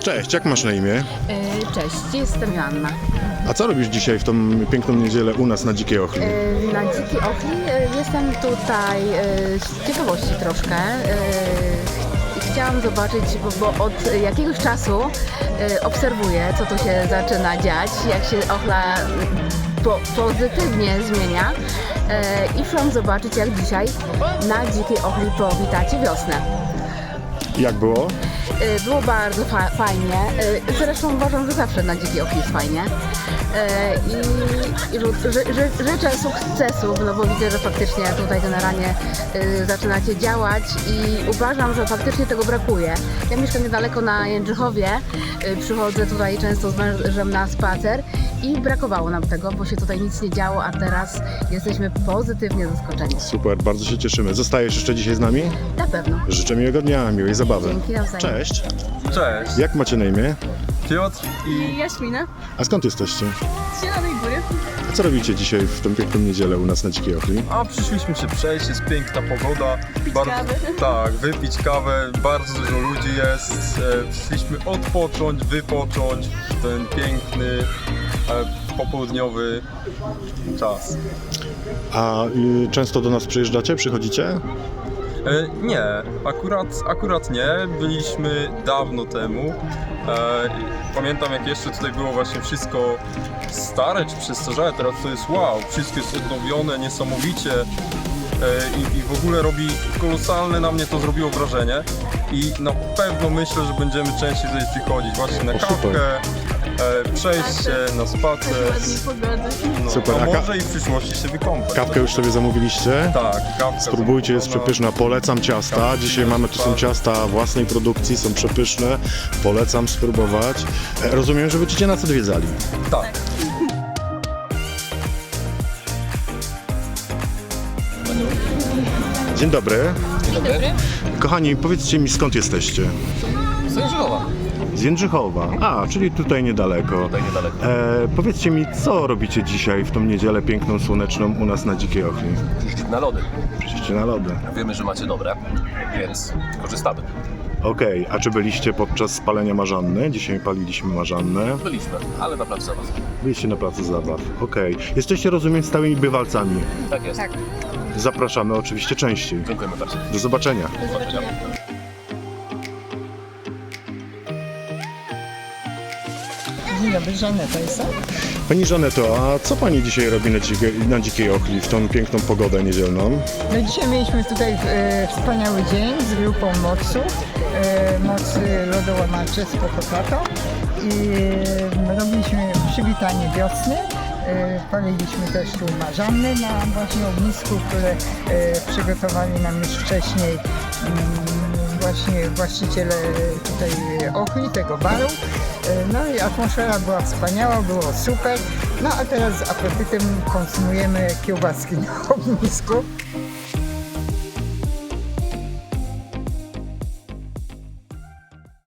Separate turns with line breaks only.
Cześć, jak masz na imię?
Cześć, jestem Joanna.
A co robisz dzisiaj w tą piękną niedzielę u nas na Dzikiej Ochli?
Na Dzikiej Ochli jestem tutaj z ciekawości troszkę. Chciałam zobaczyć, bo od jakiegoś czasu obserwuję, co tu się zaczyna dziać, jak się Ochla pozytywnie zmienia. I chciałam zobaczyć, jak dzisiaj na Dzikiej Ochli powitacie wiosnę.
Jak było?
Było bardzo fajnie. Zresztą uważam, że zawsze na Dzikiej Ochli jest fajnie. I życzę sukcesów, no bo widzę, że faktycznie tutaj generalnie zaczynacie działać i uważam, że faktycznie tego brakuje. Ja mieszkam niedaleko na Jędrzychowie, przychodzę tutaj często z mężem na spacer i brakowało nam tego, bo się tutaj nic nie działo, a teraz jesteśmy pozytywnie zaskoczeni.
Super, bardzo się cieszymy. Zostajesz jeszcze dzisiaj z nami?
Na pewno.
Życzę miłego dnia, miłej zabawy.
Dzięki, nawzajem.
Cześć.
Cześć,
Jak macie na imię?
Piotr i
Jaśmina
A skąd jesteście?
z Zielonej Góry.
A co robicie dzisiaj w tą piękną niedzielę u nas na Dzikiej Ochli?
przyszliśmy się przejść, jest piękna pogoda.
kawę.
Tak, wypić kawę, bardzo dużo ludzi jest. Przyszliśmy odpocząć, wypocząć w ten piękny, popołudniowy czas.
A często do nas przyjeżdżacie, przychodzicie?
Nie, akurat nie. Byliśmy dawno temu. Pamiętam, jak jeszcze tutaj było właśnie wszystko stare czy przestarzałe, teraz to jest wow, wszystko jest odnowione niesamowicie i w ogóle robi kolosalne, na mnie to zrobiło wrażenie i na pewno myślę, że będziemy częściej tutaj przychodzić właśnie na
super.
kawkę, przejść się na spacer,
Ładnej pogody.
no,
Super,
a
a
może i w przyszłości się wykąpać.
Kawkę już sobie zamówiliście?
Tak, kawka.
Spróbujcie, jest
zamówiona.
przepyszna. Polecam ciasta.
Kawka
Dzisiaj mamy, tu są
bardzo.
ciasta własnej produkcji, są przepyszne. Polecam spróbować. Rozumiem, że będziecie nas odwiedzali.
Tak.
Dzień dobry.
Dzień dobry.
Kochani, powiedzcie mi, skąd jesteście?
Z Jędrzychowa.
Z Jędrzychowa. A, czyli tutaj niedaleko.
Tutaj niedaleko.
Powiedzcie mi, co robicie dzisiaj w tą niedzielę piękną, słoneczną u nas na Dzikiej Ochli?
Przyszliśmy na lody.
Przyjście na lody.
Wiemy, że macie dobre, więc korzystamy.
Okej, a czy byliście podczas spalenia marzanny? Dzisiaj paliliśmy marzannę.
Byliśmy, ale na placu zabaw.
Byliście na placu zabaw. Okej. Jesteście, rozumiem, stałymi bywalcami.
Tak jest.
Tak.
Zapraszamy oczywiście częściej.
Dziękujemy bardzo.
Do zobaczenia.
Do zobaczenia.
Dzień dobry, Żaneta jestem.
Pani Żaneto, a co Pani dzisiaj robi na Dzikiej Ochli w tą piękną pogodę niedzielną?
No dzisiaj mieliśmy tutaj wspaniały dzień z grupą MOC-u, Mocy Lodołamacze z Pokopato i robiliśmy przywitanie wiosny. Paliliśmy też tu marzanny na właśnie ognisku, które przygotowali nam już wcześniej właśnie właściciele tutaj Ochli, tego baru. No i atmosfera była wspaniała, było super. No a teraz z apetytem konsumujemy kiełbaski na ognisku.